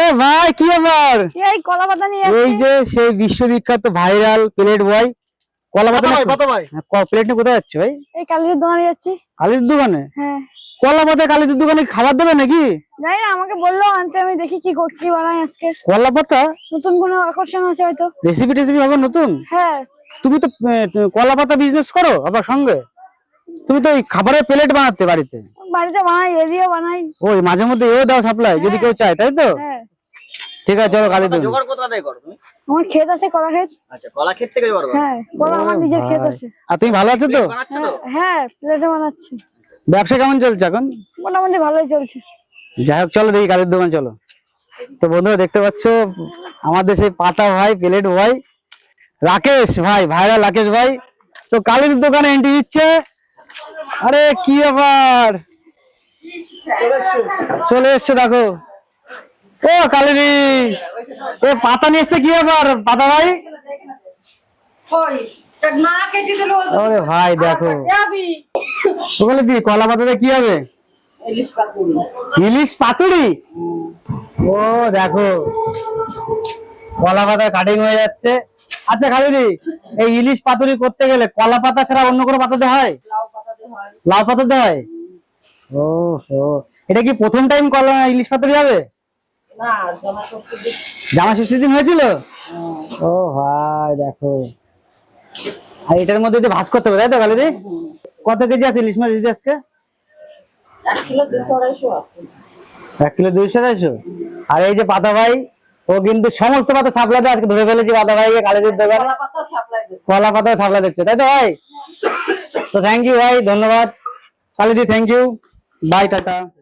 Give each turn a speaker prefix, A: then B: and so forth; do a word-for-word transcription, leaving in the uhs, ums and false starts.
A: ভাই কি ব্যাপার?
B: এই কলা পাতা নিয়ে
A: এই যে সেই বিশ্ববিখ্যাত ভাইরাল প্লেট বয় কলা পাতা ভাই, কত ভাই? প্লেট নিয়ে কোথায় যাচ্ছে ভাই?
B: এই কালীর দোকানে যাচ্ছি।
A: কালীর দোকানে?
B: হ্যাঁ।
A: কলা পাতা কালীর দোকানে খাবার দেবে নাকি?
B: জানি না, আমাকে বললো আনতে, আমি দেখি কি কি বানাই আজকে।
A: কলা পাতা
B: নতুন কোনো আকর্ষণ আছে হয়তো।
A: রেসিপি টেসিপি হবে নতুন?
B: হ্যাঁ।
A: তুমি তো কলা পাতা বিজনেস করো আবার সঙ্গে, তুমি তো এই খাবারের প্লেট বানাতে বাড়িতে?
B: বাড়িতে বানাই, এদিও বানাই।
A: ওই মাঝে মধ্যে এও দাও সাপ্লাই যদি কেউ চায়, তাই তো?
B: হ্যাঁ।
A: ঠিক আছে চলো কালীর দোকান।
C: জোগাড় কোথা থেকে করো তুমি?
B: আমার ক্ষেত আছে, কলা ক্ষেত।
C: আচ্ছা, কলা ক্ষেত থেকে জোগাড় করো?
B: হ্যাঁ, কলা আমার নিজের ক্ষেত আছে।
A: আর তুমি ভালো আছো তো?
C: বানাচ্ছো তো?
B: হ্যাঁ, প্লেটে বানাচ্ছি।
A: ব্যবসা কেমন চলছে এখন?
B: মোটামুটি ভালোই চলছে।
A: যাই হোক চলো দেখি কালীর দোকান চলো। তো বন্ধুরা দেখতে পাচ্ছ আমাদের সেই পাতা ভাই প্লেট ভাই রাকেশ ভাই, ভাইরাল রাকেশ ভাই তো কালীর দোকানে এন্ট্রি দিচ্ছে। আরে কি ব্যাপার, চলে এসছে দেখো। ও কালীরি এ পাতা নিয়ে এসছে, কি ব্যাপার পাতা ভাই? আরে ভাই দেখো ওখানে দি কলা পাতাতে কি হবে? ইলিশ পাতুরি। ও দেখো কলা পাতা কাটিং হয়ে যাচ্ছে। আচ্ছা খালিদি, এই ইলিশ পাতুরি করতে গেলে কলা পাতা ছাড়া অন্য কোনো পাতাতে হয়? লাউ পাতাতে হয়। ও হো, এটা কি প্রথম টাইম কলা ইলিশ পাতুরি হবে? জামা ষষ্ঠীর দিন হয়েছিল? ও ভাই দেখো, আর এটার মধ্যে দিয়ে ভাজ করতে হবে তাই তো খালিদি? কত কেজি আছে ইলিশ মাছ দিদি আজকে? এক কিলো দুইশো আড়াইশো। আর এই যে পাতা ভাই, ও কিন্তু সমস্ত পাতা সাপ্লাই দেয়। আজকে ধরে ফেলেছি পাতা ভাইকে কালীদের দোকানে, কলা পাতা সাপ্লাই দিচ্ছে তাই তো ভাই? তো থ্যাংক ইউ ভাই, ধন্যবাদ কালীদি, থ্যাংক ইউ, বাই, টাটা।